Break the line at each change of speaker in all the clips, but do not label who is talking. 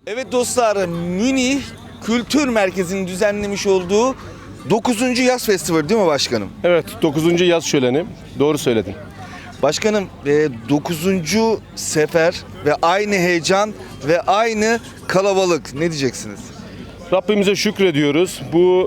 Evet dostlar, Münih Kültür Merkezi'nin düzenlemiş olduğu 9. Yaz Festivali değil mi başkanım?
Evet, 9. yaz şöleni. Doğru söyledin.
Başkanım 9. sefer ve aynı heyecan ve aynı kalabalık. Ne diyeceksiniz?
Rabbimize şükrediyoruz.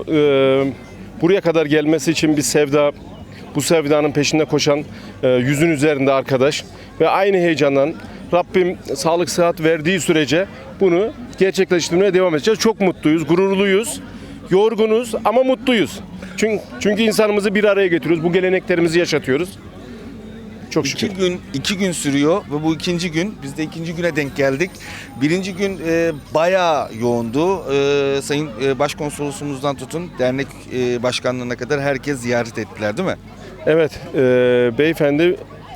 Buraya kadar gelmesi için bir sevda, bu sevdanın peşinde koşan yüzün üzerinde arkadaş ve aynı heyecandan Rabbim sağlık sıhhat verdiği sürece bunu gerçekleştirmeye devam edeceğiz. Çok mutluyuz, gururluyuz, yorgunuz ama mutluyuz. Çünkü insanımızı bir araya getiriyoruz. Bu geleneklerimizi yaşatıyoruz. Çok şükür.
İki gün sürüyor ve bu ikinci gün, biz de ikinci güne denk geldik. Birinci gün bayağı yoğundu. Sayın Başkonsolosumuzdan tutun, dernek başkanlığına kadar herkes ziyaret ettiler değil mi?
Evet, beyefendi,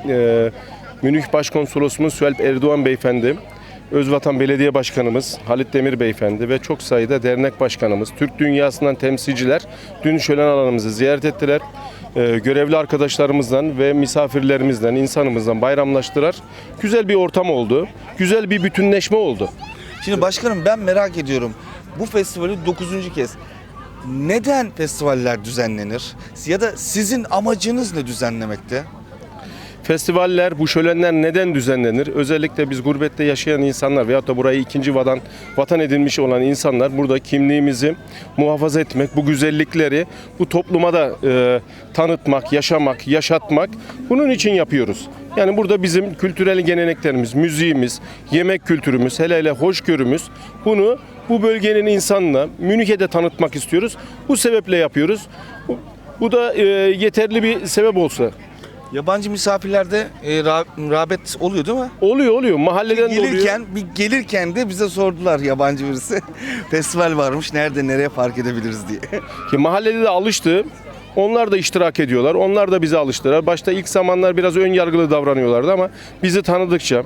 Münih Başkonsolosumuz Süalp Erdoğan beyefendi, Özvatan Belediye Başkanımız Halit Demir beyefendi ve çok sayıda dernek başkanımız, Türk dünyasından temsilciler dün şölen alanımızı ziyaret ettiler. Görevli arkadaşlarımızdan ve misafirlerimizden, insanımızdan bayramlaştılar. Güzel bir ortam oldu, güzel bir bütünleşme oldu.
Şimdi başkanım ben merak ediyorum. Bu festivali 9. kez. Neden festivaller düzenlenir? Ya da sizin amacınız ne düzenlemekte?
Festivaller, bu şölenler neden düzenlenir? Özellikle biz gurbette yaşayan insanlar veyahut da burayı ikinci vatan edinmiş olan insanlar burada kimliğimizi muhafaza etmek, bu güzellikleri bu topluma da tanıtmak, yaşamak, yaşatmak bunun için yapıyoruz. Yani burada bizim kültürel geleneklerimiz, müziğimiz, yemek kültürümüz, hele hele hoşgörümüz bunu bu bölgenin insanına, Münih'e de tanıtmak istiyoruz. Bu sebeple yapıyoruz. Bu da yeterli bir sebep olsa.
Yabancı misafirlerde rağbet oluyor değil mi?
Oluyor. Mahalleden de oluyor.
Gelirken de bize sordular yabancı birisi. Festival varmış, nereye park edebiliriz diye.
Ki mahallede de alıştı. Onlar da iştirak ediyorlar. Onlar da bize alıştılar. Başta ilk zamanlar biraz ön yargılı davranıyorlardı ama bizi tanıdıkça,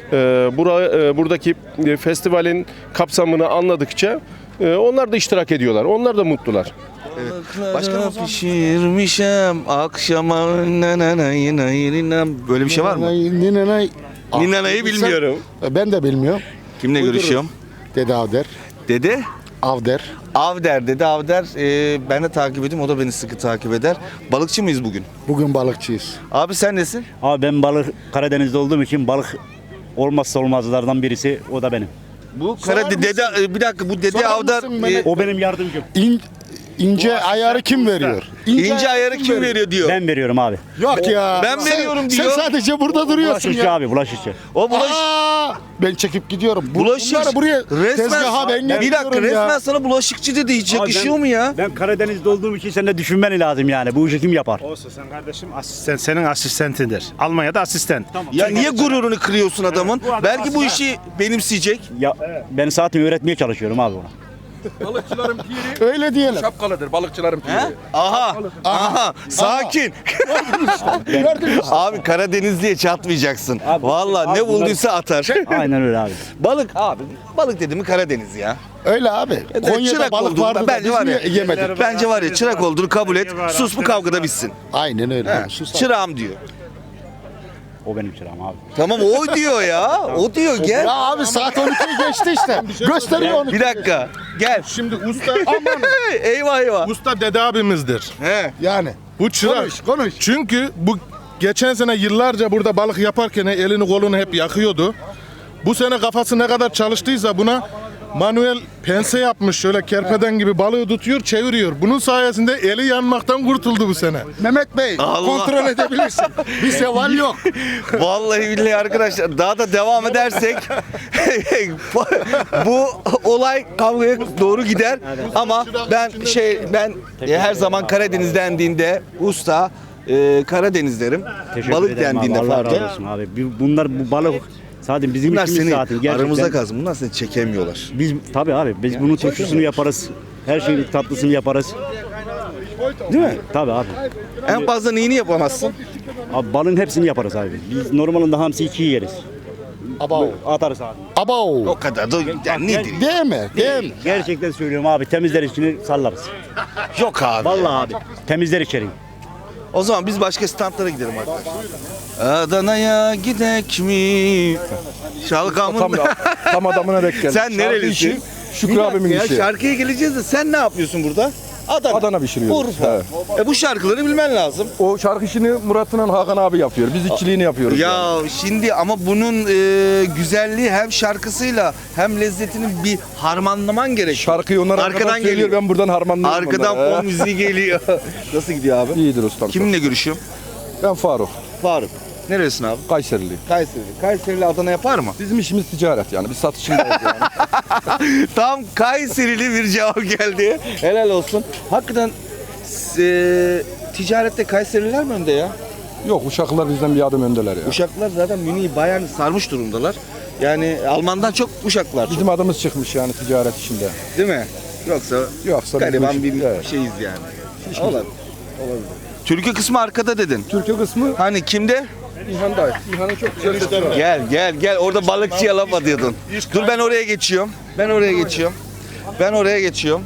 buradaki festivalin kapsamını anladıkça onlar da iştirak ediyorlar. Onlar da mutlular.
Evet. Başkanım pişirmişim akşama böyle bir şey var mı? Ninanay'ı bilmiyorum.
Ben de bilmiyorum.
Kimle görüşüyorum?
Dede Avder.
Dede?
Avder.
Avder, Dede Avder. Ben de takip ediyorum, o da beni sıkı takip eder. Balıkçı mıyız bugün?
Bugün balıkçıyız.
Abi sen nesin?
Abi ben balık Karadeniz'de olduğum için balık olmazsa olmazlardan birisi o da benim.
Bu
Sorar
Dede, bir dakika, bu Dede
Sorar
Avder
mısın Mehmet?
O benim yardımcım.
İnce ayarı kim veriyor?
ince ayarı kim veriyor diyor.
Ben veriyorum abi.
Yok ya.
Ben veriyorum diyor.
Sen sadece burada duruyorsun
Bulaşıkçı
ya.
abi, bulaşıkçı.
O
Ben çekip gidiyorum.
bulaşık.
Bunları buraya tezgaha ben
bir dakika,
getiriyorum
resmen
ya.
sana bulaşıkçı dedi. Hiç yakışıyor mu ya?
Ben Karadeniz'de olduğum için sen de düşünmen lazım yani. Bu işi kim yapar?
Olsun sen kardeşim asistan, senin asistentindir. Almanya'da asistan.
Ya niye gururunu kırıyorsun adamın?
Bu adam
Belki bu
aslında-
işi benimseyecek.
Ya ben saatimi öğretmeye çalışıyorum abi ona.
Balıkçıların piri
Öyle diyelim.
şapkalıdır. Balıkçıların piri.
Aha, sakin.
Gördün mü?
Abi Karadeniz diye çatmayacaksın.
Abi,
Vallahi
abi
ne bulduysa atar.
Aynen öyle abi.
Balık abi. Balık dedi mi Karadeniz ya.
Öyle abi. Konya'da
Çırak
balık
olduğunu-
vardı da
bence
biz
var ya.
niye yemedik?
Bence var ya, çırak olduğunu kabul et. Sus, bu kavgada bitsin.
Aynen öyle.
He,
Sus.
çırağım diyor.
O benim çırağım abi.
Tamam, o diyor ya. O diyor, gel.
Ya abi saat 12'yi geçti işte. Gösteriyor onu.
Bir dakika. Gel.
Şimdi usta
Eyvah eyvah.
usta dede abimizdir.
He.
Yani.
Bu çırak.
Konuş.
Çünkü bu geçen sene yıllarca burada balık yaparken elini kolunu hep yakıyordu. Bu sene kafası ne kadar çalıştıysa buna manuel pense yapmış, şöyle kerpeden gibi balığı tutuyor, çeviriyor. Bunun sayesinde eli yanmaktan kurtuldu bu sene.
Mehmet Bey
Allah.
kontrol edebilirsin. Bir seval yok.
Vallahi billahi arkadaşlar, daha da devam edersek bu olay kavgaya doğru gider. Ama ben her zaman Karadeniz dendiğinde usta Karadeniz derim.
Teşekkür
Balık
ederim
dendiğinde
abi. Allah
farklı.
razı olsun abi. Bunlar bu balık zaten bizim
Bunlar
işimiz
seni
zaten. Gerçekten.
aramızda kalsın. Bunlar seni çekemiyorlar.
Biz tabii abi biz bunun turşusunu yaparız. Her şeyin tatlısını yaparız.
Değil mi?
Tabii abi.
En fazla neyini yapamazsın?
Abi balın hepsini yaparız abi. Biz normalinde hamsi 2 yeriz.
Abo.
Atarız abi.
Abo.
O kadar da yani nedir?
Değil mi? Değil mi?
Gerçekten söylüyorum abi, temizler içini sallarız.
Yok abi.
Vallahi abi temizler içeri.
O zaman biz başka standlara gidelim arkadaşlar. Adana'ya gidek mi? Şalgamın.
Tam adamına denk geldi.
Sen nerelisin?
Şükrü
Bir
abimin
dakika ya,
işi.
şarkıya geleceğiz de sen ne yapıyorsun burada?
Adana pişiriyoruz.
Urfa. Bu şarkıları bilmen lazım.
O şarkı işini Murat'la Hakan abi yapıyor. Biz işçiliğini yapıyoruz.
Ya şimdi ama bunun güzelliği hem şarkısıyla hem lezzetini bir harmanlaman gerekiyor.
Şarkıyı onlar arkadan söylüyor.
geliyor.
Ben buradan harmanlıyorum.
Arkadan
onları.
fon müziği geliyor. Nasıl gidiyor abi?
İyidir ustam.
Kiminle görüşüyorum?
Ben Faruk.
Faruk. Neresin abi?
Kayserili.
Kayseri. Kayseri'li Adana yapar mı?
Bizim işimiz ticaret yani. Biz satışındayız yani.
Tam Kayserili bir cevap geldi. Helal olsun. Hakikaten ticarette Kayserililer mi önde ya?
Yok Uşaklılar bizden bir adım öndeler ya.
Uşaklılar zaten Münih'i bayağı sarmış durumdalar. Yani Alman'dan çok Uşaklılar çok.
Bizim adımız çıkmış yani ticaret işinde.
Değil mi? Yoksa
Yoksa
gariban
bizim
bir
iş- evet.
şeyiz yani. Olabilir. Türkü kısmı arkada dedin.
Türkiye kısmı
Hani kimde?
İlhan'da. İlhan'ın çok güzel sesi var.
Gel. Orada balıkçıya laf atıyordun. Dur ben oraya geçiyorum. Ben oraya geçiyorum.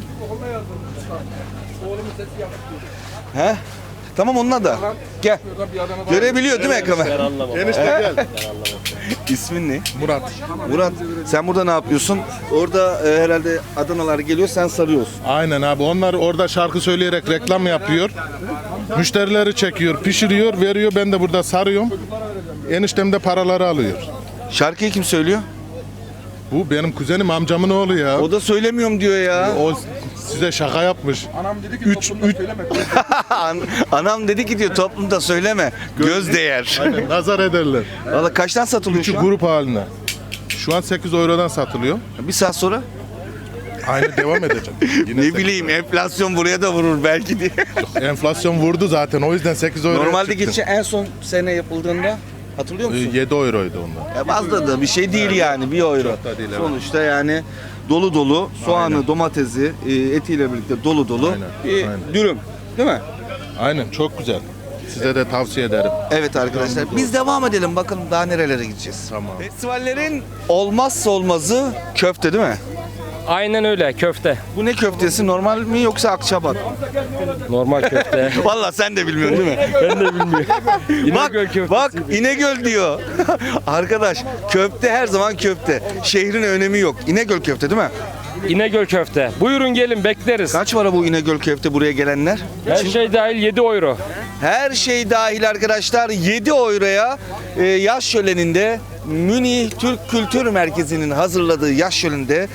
He? Tamam onunla da. Gel. Görebiliyor değil mi Ekame?
Enişte gel.
İsmin ne?
Murat.
Murat. Sen burada ne yapıyorsun? Orada herhalde Adanalar geliyor, sen sarıyorsun.
Aynen abi. Onlar orada şarkı söyleyerek reklam yapıyor. Müşterileri çekiyor, pişiriyor, veriyor. Ben de burada sarıyorum. Eniştem de paraları alıyor.
Şarkıyı kim söylüyor?
Bu benim kuzenim, amcamın oğlu ya.
O da söylemiyorum diyor ya.
O size şaka yapmış.
Anam dedi ki
Üç-
toplumda
üç-
söyleme.
Anam dedi ki diyor toplumda söyleme. Göz değer.
Aynen, nazar ederler.
Valla kaçtan satılıyor
Küçük
şu an?
grup haline. Şu an 8 eurodan satılıyor.
Bir saat sonra?
Aynı devam edecek. Yine
Ne
8
bileyim enflasyon buraya da vurur belki diye.
Enflasyon vurdu zaten. O yüzden 8 euro.
Normalde geçen en son sene yapıldığında hatırlıyor musun?
7 euroydu onlar.
Fazla da bir şey değil yani 1 euro.
Çok da değil, evet.
Sonuçta yani dolu dolu soğanı, domatesi, etiyle birlikte dolu dolu
Aynen,
bir
aynen.
dürüm. Değil mi?
Aynen, çok güzel. Size de tavsiye ederim.
Evet arkadaşlar biz devam edelim bakalım daha nerelere gideceğiz.
Tamam.
Festivallerin olmazsa olmazı köfte değil mi?
Aynen öyle köfte.
Bu ne köftesi normal mi yoksa akçabat?
Normal köfte.
Vallahi sen de bilmiyorsun değil mi?
Ben de bilmiyorum.
Bak İnegöl diyor. Arkadaş köfte her zaman köfte. Şehrin önemi yok. İnegöl köfte değil mi?
İnegöl köfte. Buyurun gelin bekleriz.
Kaç para bu İnegöl köfte buraya gelenler?
Her şey dahil 7 euro.
Her şey dahil arkadaşlar 7 euroya yaz şöleninde Münih Türk Kültür Merkezi'nin hazırladığı yaz şöleninde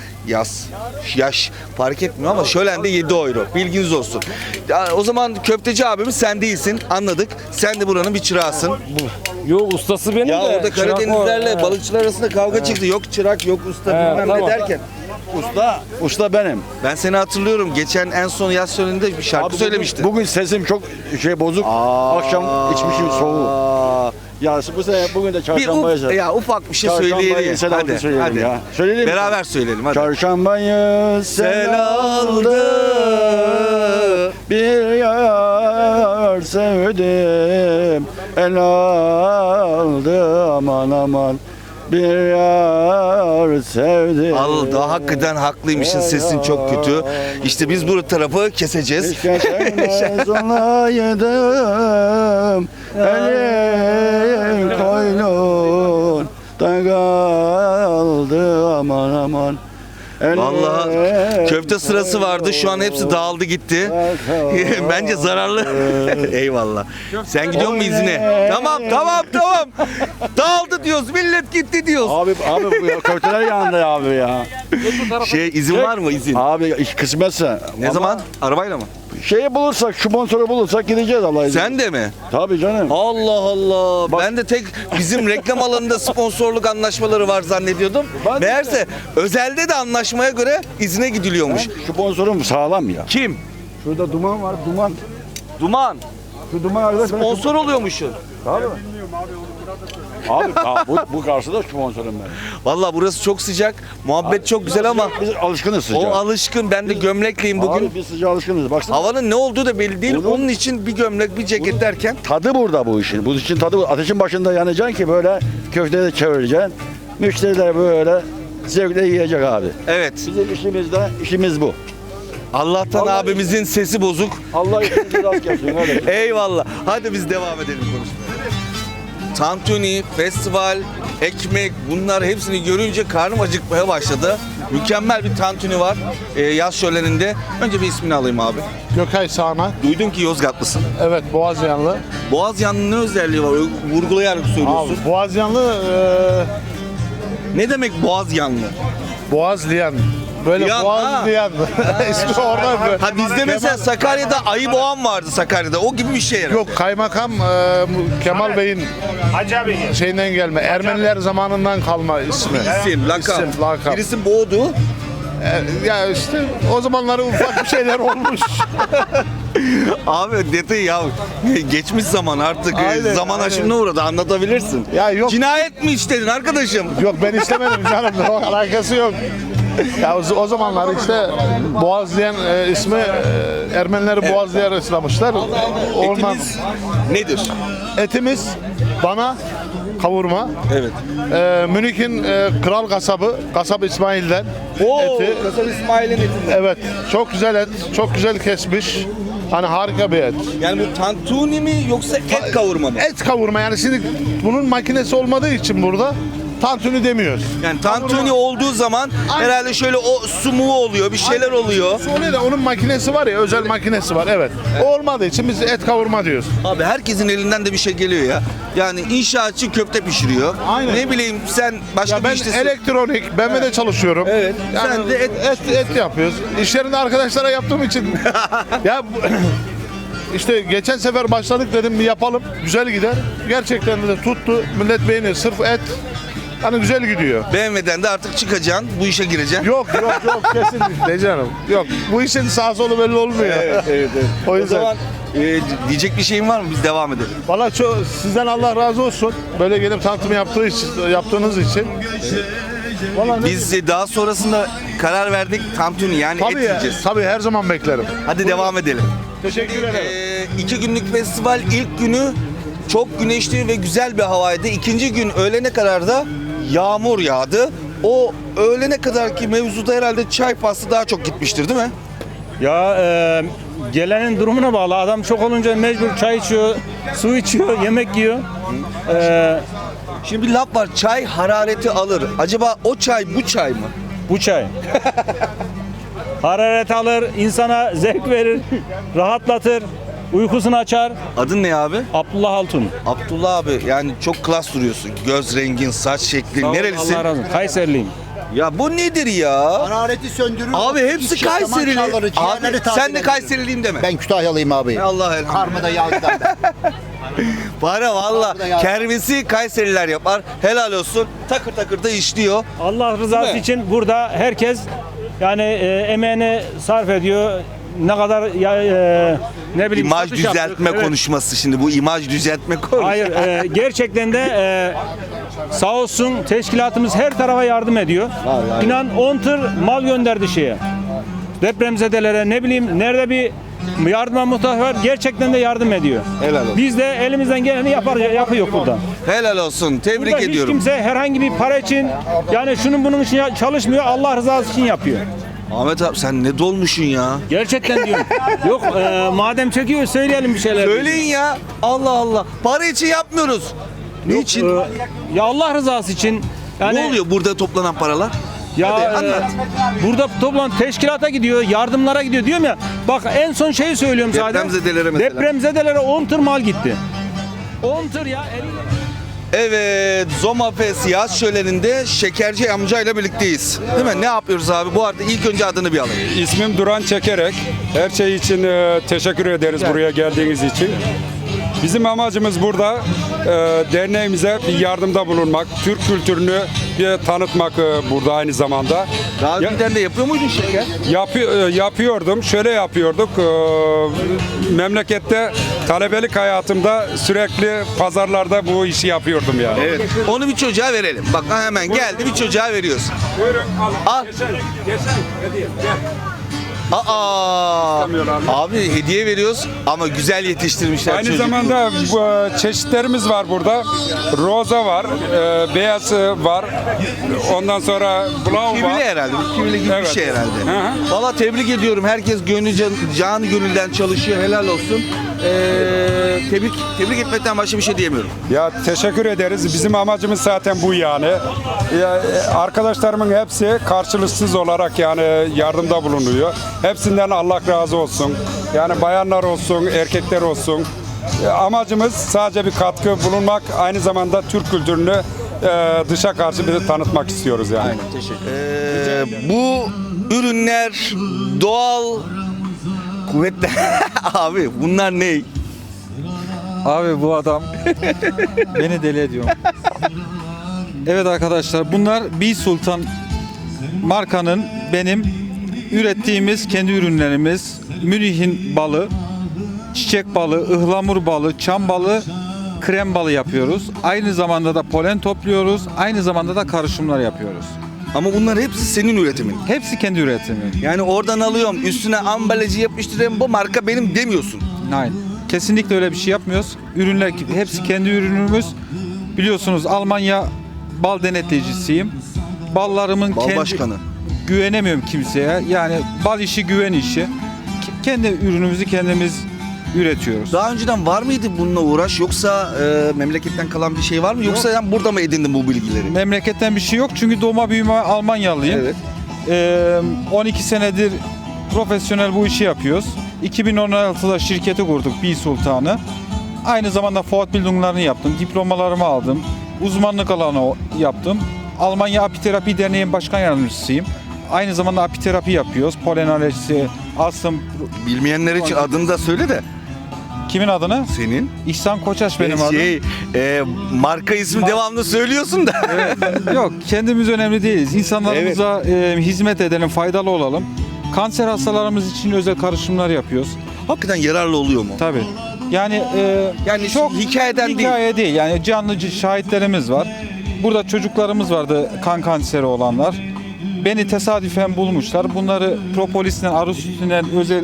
yaş fark etmiyor ama şölende 7 euro. Bilginiz olsun. Ya, o zaman köfteci abimiz sen değilsin anladık. Sen de buranın bir çırağısın.
Yok ustası benim
Ya
de.
orada
çırak
Karadenizlerle
o.
balıkçılar arasında kavga çıktı. Yok çırak yok usta
He,
bilmem ne
tamam.
derken.
Usta benim.
Ben seni hatırlıyorum. Geçen en son yaz şöleninde bir şarkı söylemiştin.
Bugün sesim çok bozuk. Akşam içmişim soğuğu. Ya bu sene bugün de çarşambayı
Ufak bir şey söyleyelim. Hadi.
ya. Söyleyelim mi?
Beraber söyleyelim hadi.
Çarşambayı sel aldı, bir yar sevdim, el aldı aman aman, bir yar sevdim.
Daha hakikaten haklıymışsın. Sesin çok kötü. İşte biz bu tarafı keseceğiz.
Keşke sevmez olaydım, elim koynun da kaldı aman aman.
Vallahi köfte sırası vardı. Şu an hepsi dağıldı gitti. Bence zararlı. Eyvallah. Sen gidiyor musun izine? Tamam. Dağıldı diyoruz. Millet gitti diyoruz.
Abi bu ya, köfteler yanında abi ya.
İzin var mı izin?
Abi iş kısmetse.
Ne
ama
zaman? Arabayla mı?
Şeyi bulursak, şu sponsoru bulursak gideceğiz Allah izin.
Sen de mi?
Tabii canım.
Allah Allah. Ben de tek bizim reklam alanında sponsorluk anlaşmaları var zannediyordum. Meğerse özelde de anlaşmaya göre izine gidiliyormuş.
Sponsorum sağlam ya.
Kim?
Şurada duman var, duman.
Duman.
Şu duman arkadaş.
Sponsor oluyormuşsun.
Abi bu karşıda sponsorum ben.
Vallahi burası çok sıcak. Muhabbet çok güzel ama
Biz alışkınız sıcağa.
o alışkın. Ben de gömlekliyim bugün.
Abi biz sıcağa alışkınız. Baksana.
Havanın ne olduğu da belli değil.
Bunun-
Onun için bir gömlek, bir ceket derken
Tadı burada bu işin. Bu işin tadı ateşin başında yanacaksın ki böyle köfteyi de çevireceksin. Müşteriler böyle zevkle yiyecek abi.
evet.
Bizim işimiz bu.
Allah'tan abimizin sesi bozuk.
Allah işinizi rast gelsin. Öyle.
Eyvallah. Hadi biz devam edelim konuşmaya. Tantuni, festival, ekmek bunlar hepsini görünce karnım acıkmaya başladı. Mükemmel bir tantuni var yaz şöleninde. Önce bir ismini alayım abi.
Gökay Sağnak.
Duydum ki Yozgatlısın.
Evet, Boğazyanlı.
Boğazyanlı'nın ne özelliği var? Öyle vurgulayarak söylüyorsun.
Abi Boğazyanlı
Ne demek Boğazyanlı?
Boğazlayan. Böyle
Yan,
Boğazlayan. İsmi oradan böyle.
Ha bizde mesela Sakarya'da Ayı Boğan vardı Sakarya'da. O gibi bir şey herhalde.
Yok, kaymakam Kemal Bey'in şeyinden gelme. Ermeniler zamanından kalma ismi.
İsim, lakap.
İsim, lakap.
Birisi boğdu.
Ya işte o zamanları ufak bir şeyler olmuş.
Abi detayı ya. Geçmiş zaman artık.
Aynen,
Zaman
aynen.
aşımına uğradı. Anlatabilirsin.
Ya yok.
Cinayet mi işledin arkadaşım?
Yok, ben istemedim canım. Alakası yok. Ya o zamanlar işte Boğazlayan ismi Ermenileri Boğazlayan islamışlar. Ondan
Etimiz nedir?
etimiz dana kavurma.
Evet.
Münih'in kral kasabı, kasap İsmail'den
Oo,
eti.
Kasap İsmail'in eti.
Evet, çok güzel et, çok güzel kesmiş. Hani harika bir et.
Yani bu tantuni mi yoksa et kavurma mı?
Et kavurma, yani şimdi bunun makinesi olmadığı için burada tantuni demiyoruz.
Yani tantuni olduğu zaman herhalde şöyle o sumuğu oluyor, bir şeyler oluyor.
Sonra da onun makinesi var ya, özel makinesi var, evet. O olmadığı için biz et kavurma diyoruz.
Abi herkesin elinden de bir şey geliyor ya. Yani inşaatçı köfte pişiriyor.
Aynen.
Ne bileyim sen başka
Ya
bir
ben
iştesin.
elektronik, BMW'de çalışıyorum.
Evet,
Yani
sen de
et yapıyoruz. İş yerinde arkadaşlara yaptığım için. Ya işte geçen sefer başladık, dedim bir yapalım, güzel gider. Gerçekten de tuttu, millet beğeniyor. Sırf et, hani güzel gidiyor.
BMW'den de artık çıkacaksın, bu işe gireceksin.
Yok kesinlikle canım. Yok, bu işin sağ solu belli olmuyor.
evet.
O
O
yüzden.
zaman diyecek bir şeyin var mı? Biz devam edelim.
Valla sizden Allah razı olsun. Böyle gelip tanıtım yaptığınız için. Vallahi
Biz daha sonrasında karar verdik tantuni yani et
tabii ya,
yiyeceğiz.
tabii her zaman beklerim.
Hadi devam edelim.
Teşekkür ederim.
2 günlük festival ilk günü çok güneşli ve güzel bir havaydı. İkinci gün öğlene kadar da yağmur yağdı. O öğlene kadarki mevzuda herhalde çay faslı daha çok gitmiştir değil mi?
Ya gelenin durumuna bağlı. Adam çok olunca mecbur çay içiyor, su içiyor, yemek yiyor.
Şimdi bir laf var, çay harareti alır. Acaba o çay bu çay mı?
Bu çay. Hararet alır, insana zevk verir, rahatlatır, uykusunu açar.
Adın ne abi?
Abdullah Altun.
Abdullah abi, yani çok klas duruyorsun. Göz rengin, saç şeklin.
Sağ ol,
Nerelisin?
Allah razı olsun. Kayserliyim.
Ya bu nedir ya?
Harareti söndürür.
Abi hepsi Kayserili. Abi, sen de Kayseriliyim deme.
Ben Kütahyalıyım abi.
Allah elhamdülillah.
Karmada yağdan ben.
Para valla.
Abi de ya.
Kervesi Kayseriler yapar. Helal olsun. Takır takır da işliyor.
Allah rızası
Değil mi?
için burada herkes yani emeğini sarf ediyor. Ne kadar ne bileyim
İmaj
satış yaptık.
düzeltme
Evet.
konuşması şimdi. Bu imaj düzeltme konusu.
Hayır, gerçekten de sağ olsun teşkilatımız her tarafa yardım ediyor. İnan 10 tır mal gönderdi şeye. Depremzedelere, ne bileyim nerede bir yardıma muhtaç var, gerçekten de yardım ediyor.
Helal olsun.
Biz de elimizden geleni yapıyor burada.
Helal olsun. Tebrik
Burada hiç
ediyorum.
kimse herhangi bir para için, yani şunun bunun için çalışmıyor, Allah rızası için yapıyor.
Ahmet abi sen ne dolmuşsun ya?
Gerçekten diyorum. Yok, madem çekiyor söyleyelim bir şeyler.
Söyleyin ya. Allah Allah. Para için yapmıyoruz. Niçin?
Ya Allah rızası için. Yani,
Ne oluyor burada toplanan paralar?
Ya
Hadi anlat.
burada toplan teşkilata gidiyor, yardımlara gidiyor diyorum ya. Bak en son şeyi söylüyorum sadece.
Depremzedelere mesela.
Depremzedelere 10 tır mal gitti. 10 tır ya.
Evet, Zoma Fest yaz şöleninde Şekerci amcayla birlikteyiz. Değil mi? Ne yapıyoruz abi? Bu arada ilk önce adını bir alayım.
İsmim Duran Çekerek. Her şey için teşekkür ederiz buraya geldiğiniz için. Bizim amacımız burada derneğimize bir yardımda bulunmak, Türk kültürünü bir tanıtmak burada aynı zamanda.
Daha önceden de yapıyor muydun şeker?
Yapıyordum, şöyle yapıyorduk. Memlekette talebelik hayatımda sürekli pazarlarda bu işi yapıyordum yani.
Evet. Onu bir çocuğa verelim. Bak hemen geldi, bir çocuğa veriyoruz.
Buyurun
Al.
Geçen hediye, gel.
Aa, abi hediye veriyoruz ama güzel yetiştirmişler
Aynı
çocuk.
zamanda çeşitlerimiz var burada. Roza var, beyaz var. Ondan sonra blau
Kivili
var.
herhalde. Kivili gibi
Evet.
bir şey herhalde.
Hı hı.
Valla tebrik ediyorum. Herkes canı gönülden çalışıyor. Helal olsun. Tebrik etmekten başka bir şey diyemiyorum.
Ya teşekkür ederiz. Bizim amacımız zaten bu yani. Ya, arkadaşlarımın hepsi karşılıksız olarak yani yardımda bulunuyor. Hepsinden Allah razı olsun. Yani bayanlar olsun, erkekler olsun. Amacımız sadece bir katkı bulunmak. Aynı zamanda Türk kültürünü dışa karşı bir de tanıtmak istiyoruz yani.
Bu ürünler doğal kuvvetler. Abi bunlar ne?
Abi bu adam beni deli ediyor. Evet arkadaşlar, bunlar Bee Sultan markanın benim ürettiğimiz kendi ürünlerimiz. Münih'in balı, çiçek balı, ıhlamur balı, çam balı, krem balı yapıyoruz. Aynı zamanda da polen topluyoruz. Aynı zamanda da karışımlar yapıyoruz.
Ama bunlar hepsi senin üretimin.
Hepsi kendi üretimi.
Yani oradan alıyorum, üstüne ambalajı yapıştırıyorum, bu marka benim demiyorsun.
Aynen. Kesinlikle öyle bir şey yapmıyoruz. Ürünler hepsi kendi ürünümüz. Biliyorsunuz Almanya bal denetleyicisiyim. Ballarımın
Bal başkanı.
Güvenemiyorum kimseye. Yani bal işi güven işi. Kendi ürünümüzü kendimiz üretiyoruz.
Daha önceden var mıydı bununla uğraş, yoksa memleketten kalan bir şey var mı? Yoksa sen burada mı edindin bu bilgileri?
Memleketten bir şey yok çünkü doğma büyüme Almanyalıyım.
Evet.
12 senedir profesyonel bu işi yapıyoruz. 2016'da şirketi kurduk, Bee Sultan'ı. Aynı zamanda Fortbildung'larını yaptım, diplomalarımı aldım, uzmanlık alanı yaptım. Almanya Apiterapi Derneği'nin başkan yardımcısıyım. Aynı zamanda apiterapi yapıyoruz. Polen alerjisi, astım.
Bilmeyenler için adını da söyle de.
Kimin adını?
Senin.
İhsan Koçaş benim adım.
Marka ismi devamlı söylüyorsun da.
Evet. Yok, kendimiz önemli değiliz. İnsanlarımıza hizmet edelim, faydalı olalım. Kanser hastalarımız için özel karışımlar yapıyoruz.
Hakikaten yararlı oluyor mu?
Tabii. Yani
çok hikayeden
hikaye değil. Yani canlı şahitlerimiz var. Burada çocuklarımız vardı, kan kanseri olanlar. Beni tesadüfen bulmuşlar. Bunları propolisden, arı sütünden özel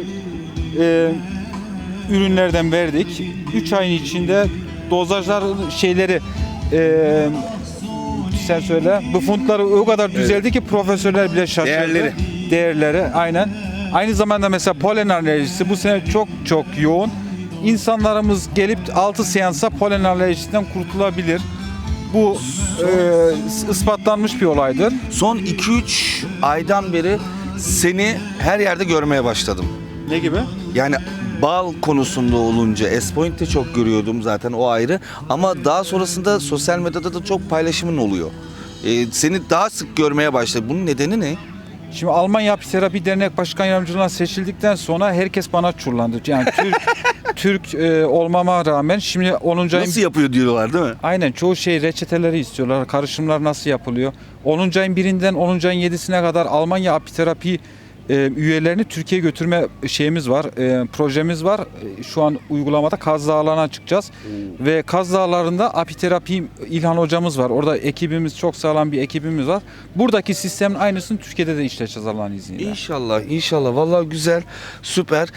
ürünlerden verdik. 3 ayın içinde dozajlar şeyleri sen söyle. Bu fondları o kadar düzeldi ki profesörler bile şaşırdı. Değerleri aynen. Aynı zamanda mesela polen alerjisi bu sene çok yoğun. İnsanlarımız gelip 6 seansa polen alerjisinden kurtulabilir. Bu ispatlanmış bir olaydır.
Son 2-3 aydan beri seni her yerde görmeye başladım.
Ne gibi?
Yani bal konusunda olunca S-Point'te çok görüyordum zaten, o ayrı. Ama daha sonrasında sosyal medyada da çok paylaşımın oluyor. Seni daha sık görmeye başladım. Bunun nedeni ne?
Şimdi Almanya Apiterapi Dernek Başkan Yardımcılığına seçildikten sonra herkes bana çurlandı. Yani Türk olmama rağmen şimdi 10. ayın...
Nasıl yapıyor diyorlar değil mi?
Aynen, çoğu şey reçeteleri istiyorlar. Karışımlar nasıl yapılıyor? 10. ayın 1'inden 10. ayın 7'sine kadar Almanya Apiterapi üyelerini Türkiye'ye götürme şeyimiz var, projemiz var. Şu an uygulamada Kaz Dağları'na çıkacağız. Ve Kaz Dağları'nda apiterapi İlhan hocamız var. Orada ekibimiz, çok sağlam bir ekibimiz var. Buradaki sistemin aynısını Türkiye'de de işleteceğiz Allah'ın izniyle.
İnşallah. Vallahi güzel, süper.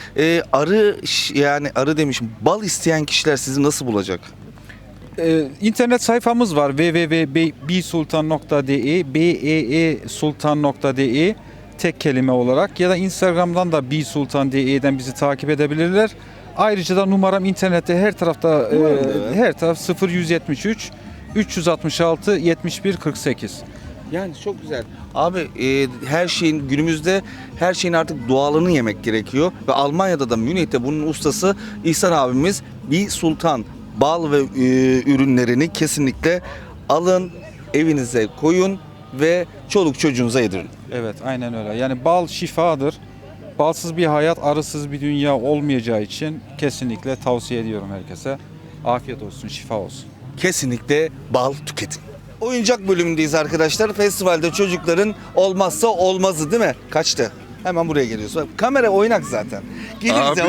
Arı demişim. Bal isteyen kişiler sizi nasıl bulacak?
İnternet sayfamız var www.beesultan.de beesultan.de tek kelime olarak, ya da Instagram'dan da beesultan.de'den bizi takip edebilirler. Ayrıca da numaram internette her tarafta, her taraf 0173 366 71 48.
Yani çok güzel. Abi günümüzde her şeyin artık doğalını yemek gerekiyor. Ve Almanya'da da, Münih'te bunun ustası İhsan abimiz. Bee Sultan bal ve ürünlerini kesinlikle alın, evinize koyun ve çoluk çocuğunuza yedirin.
Evet, aynen öyle. Yani bal şifadır. Balsız bir hayat, arısız bir dünya olmayacağı için kesinlikle tavsiye ediyorum herkese. Afiyet olsun, şifa olsun.
Kesinlikle bal tüketin. Oyuncak bölümündeyiz arkadaşlar. Festivalde çocukların olmazsa olmazı değil mi? Kaçtı. Hemen buraya geliyorsun. Kamera oynak zaten. Geliriz ya.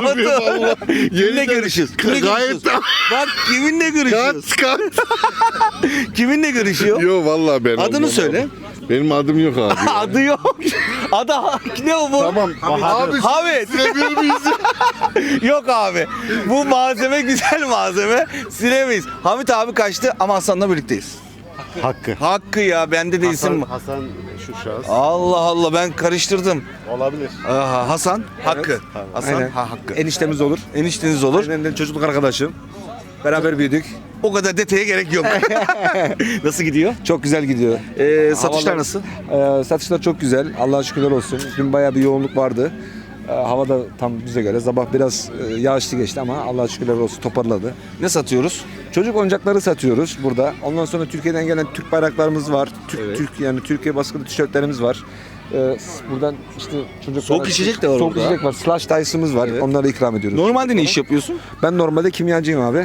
Kiminle görüşüyoruz? Bak kiminle görüşüyoruz? Kiminle görüşüyor?
Yo vallahi ben
Adını söyle.
Benim adım yok abi.
Adı yok. Adı ne o bu?
Tamam. Abi
Hamit.
silebilir miyiz?
Yok abi. Bu malzeme güzel malzeme. Silemeyiz. Hamit abi kaçtı ama Hasan'la birlikteyiz.
Hakkı.
Hakkı ya bende de isim var.
Hasan şu şahıs.
Allah Allah ben karıştırdım.
Olabilir.
Aha, Hasan Hakkı. Hasan
Aynen.
Hakkı.
Eniştemiz olur.
Enişteniz olur.
Benden çocukluk arkadaşım. Beraber büyüdük.
O kadar detaya gerek yok. Nasıl gidiyor?
Çok güzel gidiyor.
Satışlar
Havalar-
nasıl?
Satışlar çok güzel. Allah'a şükürler olsun. Dün bayağı bir yoğunluk vardı. Hava da tam bize göre. Sabah biraz yağışlı geçti ama Allah'a şükürler olsun toparladı.
Ne satıyoruz?
Çocuk oyuncakları satıyoruz burada. Ondan sonra Türkiye'den gelen Türk bayraklarımız var. Yani Türkiye baskılı tişörtlerimiz var. Buradan işte çocuklara...
Soğuk içecek de var
Soğuk
orada.
içecek var. Slush Dices'ımız var. Onları ikram ediyoruz.
Normalde ne iş yapıyorsun?
Ben normalde kimyacıyım abi.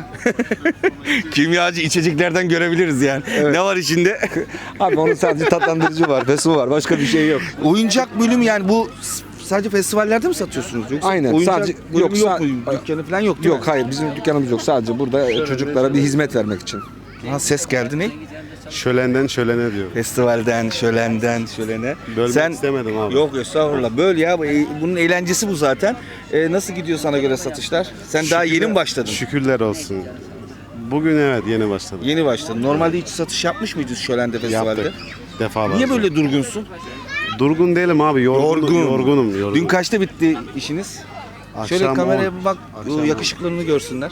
Kimyacı içeceklerden görebiliriz yani. Ne var içinde?
Abi onun sadece tatlandırıcı var, fesu var. Başka bir şey yok.
Oyuncak bölümü yani bu sadece festivallerde mi satıyorsunuz? Yoksa
Aynen,
oyuncak
sadece-
bölümü
yok,
yok mu? Dükkanı falan yok değil mi?
Yok hayır bizim dükkanımız yok. Sadece burada çocuklara bir hizmet vermek için.
Ha, ses geldi ne?
Şölenden şölene diyor.
Festivalden, şölenden, şölene.
Bölmek istemedim abi.
Yok estağfurullah. Böl ya. Bunun eğlencesi bu zaten. Nasıl gidiyor sana göre satışlar? Sen daha yeni mi başladın?
Şükürler olsun. Bugün evet yeni başladım.
Yeni başladın. Normalde hiç satış yapmış mıydın şölende festivalde?
Yaptık. Defalarca.
Niye böyle durgunsun?
Durgun değilim abi. Yorgunum.
Dün kaçta bitti işiniz? Şöyle kameraya bir bak.
Akşam
Yakışıklılığını görsünler.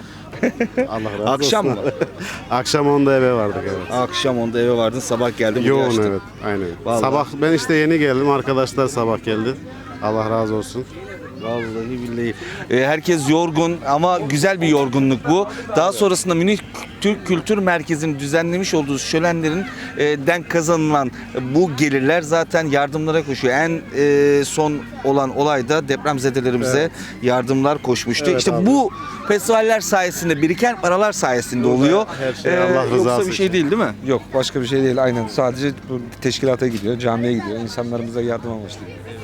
Allah razı olsun.
Akşam mı?
Akşam 10'da eve vardık evet.
Akşam 10'da eve vardın, sabah geldin. buraya
Yoğun
açtın.
evet. Aynen.
Vallahi.
Sabah ben işte yeni geldim. Arkadaşlar sabah geldi. Allah razı olsun.
Vallahi billahi. Herkes yorgun ama güzel bir yorgunluk bu. Daha sonrasında Münih Türk Kültür Merkezi'nin düzenlemiş olduğu şölenlerin den kazanılan bu gelirler zaten yardımlara koşuyor. En son olan olayda depremzedelerimize yardımlar koşmuştu.
Evet
işte
abi.
bu festivaller sayesinde biriken paralar sayesinde oluyor.
Her şey Allah rızası
Yoksa bir şey
için.
değil değil mi?
Yok başka bir şey değil aynen. Sadece bu teşkilata gidiyor, camiye gidiyor. İnsanlarımıza yardım amaçlı.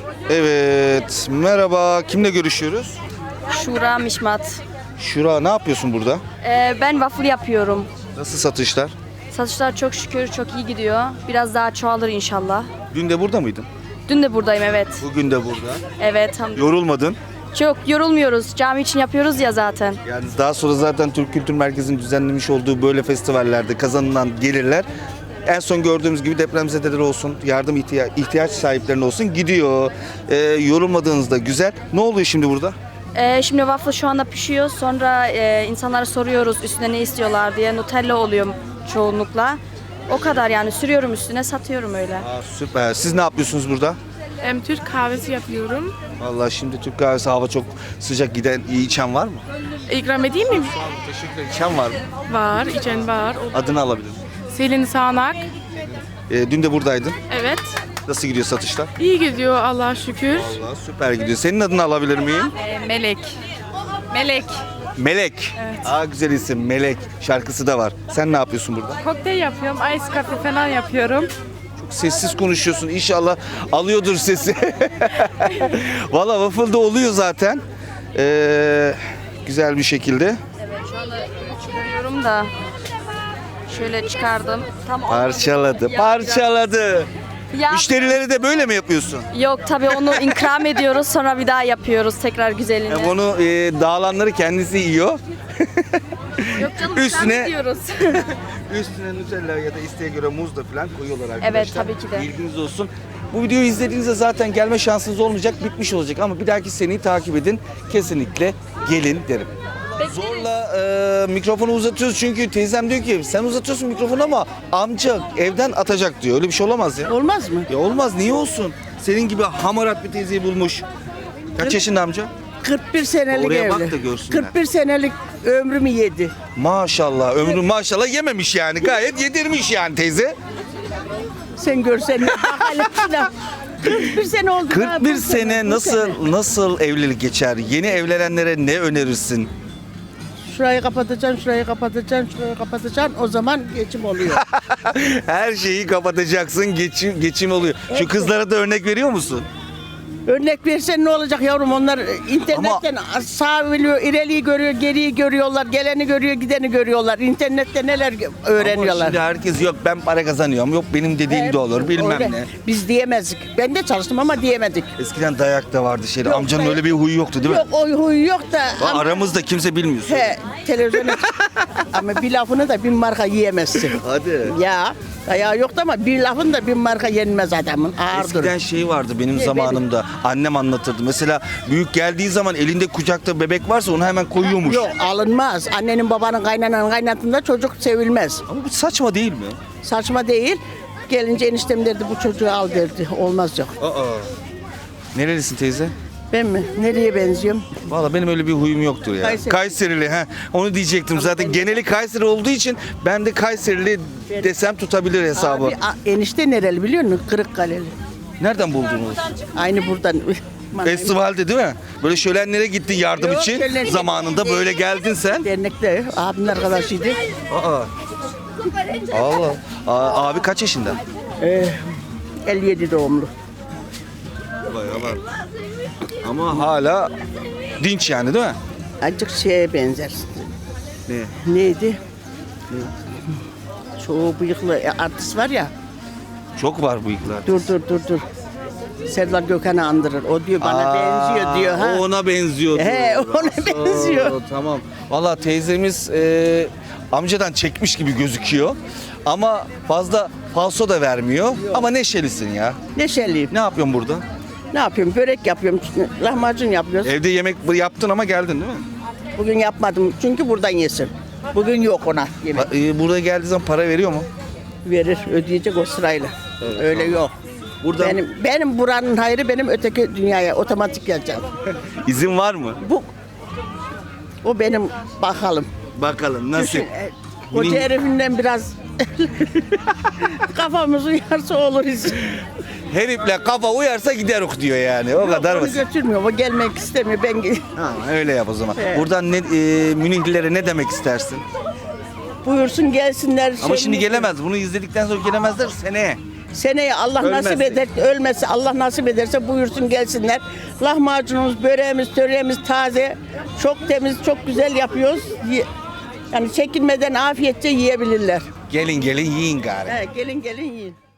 Evet. Merhaba. Kimle görüşüyoruz?
Şura Mişmat.
Şura ne yapıyorsun burada?
Ben waffle yapıyorum.
Nasıl satışlar?
Satışlar çok şükür çok iyi gidiyor. Biraz daha çoğalır inşallah.
Dün de burada mıydın?
Dün de buradayım evet.
Bugün de burada.
Evet.
Yorulmadın.
Çok yorulmuyoruz. Cami için yapıyoruz ya zaten.
Yani daha sonra zaten Türk Kültür Merkezi'nin düzenlemiş olduğu böyle festivallerde kazanılan gelirler en son gördüğümüz gibi depremzedeler olsun, yardım ihtiyaç sahiplerine olsun gidiyor. Yorulmadığınızda güzel. Ne oluyor şimdi burada?
Şimdi waffle şu anda pişiyor. Sonra insanlara soruyoruz üstüne ne istiyorlar diye. Nutella oluyor çoğunlukla. O kadar yani sürüyorum üstüne satıyorum öyle.
Aa, süper. Siz ne yapıyorsunuz burada?
Türk kahvesi yapıyorum.
Vallahi şimdi Türk kahvesi hava çok sıcak giden iyi içen var mı?
İkram edeyim mi?
Teşekkürler. İçen var mı?
Var, içen var.
Adını alabilirim.
Selin Sağnak.
Dün de buradaydın.
Evet.
Nasıl gidiyor satışlar?
İyi gidiyor Allah'a şükür.
Vallahi süper gidiyor. Senin adını alabilir miyim?
Melek. Melek.
Melek.
Evet.
Aa güzel isim Melek. Şarkısı da var. Sen ne yapıyorsun burada?
Kokteyl yapıyorum. Ice coffee falan yapıyorum.
Sessiz konuşuyorsun. İnşallah alıyordur sesi. Valla waffle da oluyor zaten. Güzel bir şekilde.
Evet şu anda çıkarıyorum da. Şöyle çıkardım. Tam
Parçaladı. Parçaladı.
Ya,
Müşterileri de böyle mi yapıyorsun?
yok tabii onu ikram ediyoruz sonra bir daha yapıyoruz tekrar güzelini.
Onu dağılanları kendisi yiyor.
Yok canım
Üstüne-
ikram ediyoruz.
Üstüne Nutella ya da isteğe göre muz da falan koyuyorlar arkadaşlar.
Evet, tabii ki de.
Bilginiz olsun. Bu videoyu izlediğinizde zaten gelme şansınız olmayacak, bitmiş olacak ama bir dahaki seneyi takip edin. Kesinlikle gelin derim. Zorla mikrofonu uzatıyoruz çünkü teyzem diyor ki sen uzatıyorsun mikrofonu ama amca evden atacak diyor. Öyle bir şey olamaz ya.
Olmaz mı?
Ya olmaz niye olsun? Senin gibi hamarat bir teyzeyi bulmuş. Kaç yaşında amca?
41 senelik
Oraya bak da görsünler.
41 senelik ömrümü yedi.
Maşallah ömrü maşallah yememiş yani gayet yedirmiş yani teyze.
Sen görsen bakalım. 41 sene oldu.
41 sene nasıl evlilik geçer? Yeni evlenenlere ne önerirsin?
Şurayı kapatacaksın, şurayı kapatacaksın, şurayı kapatacaksın. O zaman geçim oluyor.
Her şeyi kapatacaksın, geçim oluyor. Şu kızlara da örnek veriyor musun?
Örnek versen ne olacak yavrum? Onlar internetten sağ biliyor, ileriyi görüyor, geriyi görüyorlar, geleni görüyor, gideni görüyorlar. İnternette neler öğreniyorlar.
Ama şimdi herkes yok ben para kazanıyorum, yok benim dediğim de olur bilmem
Öyle.
ne.
Biz diyemezdik. Ben de çalıştım ama diyemedik.
Eskiden dayak da vardı şeyde.
Yok,
Amcanın
dayak-
öyle bir huyu yoktu değil mi?
Yok o huyu yok da. ama-
Aramızda kimse bilmiyor.
Televizyona ama bir lafını da bin marka yiyemezsin.
Hadi.
Ya dayağı yoktu ama bir lafın da bin marka yenmez adamın. Ağırdır.
Eskiden şey vardı benim
Ne,
zamanımda. Annem anlatırdı. Mesela büyük geldiği zaman elinde kucakta bebek varsa onu hemen koyuyormuş.
Yok alınmaz. Annenin babanın kaynananın kaynatında çocuk sevilmez.
Ama bu saçma değil mi?
Saçma değil. Gelince eniştem derdi bu çocuğu al derdi. Olmaz yok.
Nerelisin teyze?
Ben mi? Nereye benziyorum?
Valla benim öyle bir huyum yoktur ya.
Kayseri.
Kayserili ha. Onu diyecektim zaten. Geneli Kayseri olduğu için ben de Kayserili desem tutabilir hesabı.
Abi enişte nereli biliyor musun? Kırıkkaleli.
Nereden buldunuz?
Aynı buradan.
Festivalde değil mi? Böyle şölenlere gittin yardım
Yok,
için.
şölen-
Zamanında böyle geldin sen.
Dernekte abimin arkadaşıydı.
Allah. Abi kaç yaşında?
57 doğumlu.
Ama hala dinç yani değil mi?
Azıcık şeye benzer.
Ne?
Neydi? Şu bıyıklı artist var ya.
Çok var bıyıklar.
Dur. Serdar Gökhan'ı andırır. O diyor bana benziyor diyor. Ha?
O ona benziyor.
He, ona benziyor.
Tamam. Valla teyzemiz amcadan çekmiş gibi gözüküyor. Ama fazla falso da vermiyor. Ama neşelisin ya.
Neşeliyim.
Ne yapıyorsun burada?
Ne yapıyorum? Börek yapıyorum. Lahmacun yapıyoruz.
Evde yemek yaptın ama geldin değil mi?
Bugün yapmadım. Çünkü buradan yesin. Bugün yok ona yemek.
Buraya geldiği zaman para veriyor mu?
Verir. Ödeyecek o sırayla. Öyle yok.
Buradan
Benim buranın hayrı benim öteki dünyaya otomatik geleceğim.
izin var mı?
O benim bakalım.
Bakalım nasıl?
Düşün, koca herifinden biraz kafamız uyarsa oluruz.
Herifle kafa uyarsa gideruk diyor yani. O kadar
Onu
basit.
götürmüyor. O gelmek istemiyor. Ben
Ha, öyle yap o zaman.
Evet.
Buradan Münihlilere ne demek istersin?
buyursun gelsinler.
Ama şimdi gelemez. Bunu izledikten sonra gelemezler seneye.
Seneye Allah
Ölmezse.
nasip eder, ölmesi Allah nasip ederse buyursun gelsinler. Lahmacunumuz, böreğimiz, töreğimiz taze, çok temiz, çok güzel yapıyoruz. Yani çekinmeden afiyetçe yiyebilirler.
Gelin yiyin gari.
Gelin yiyin.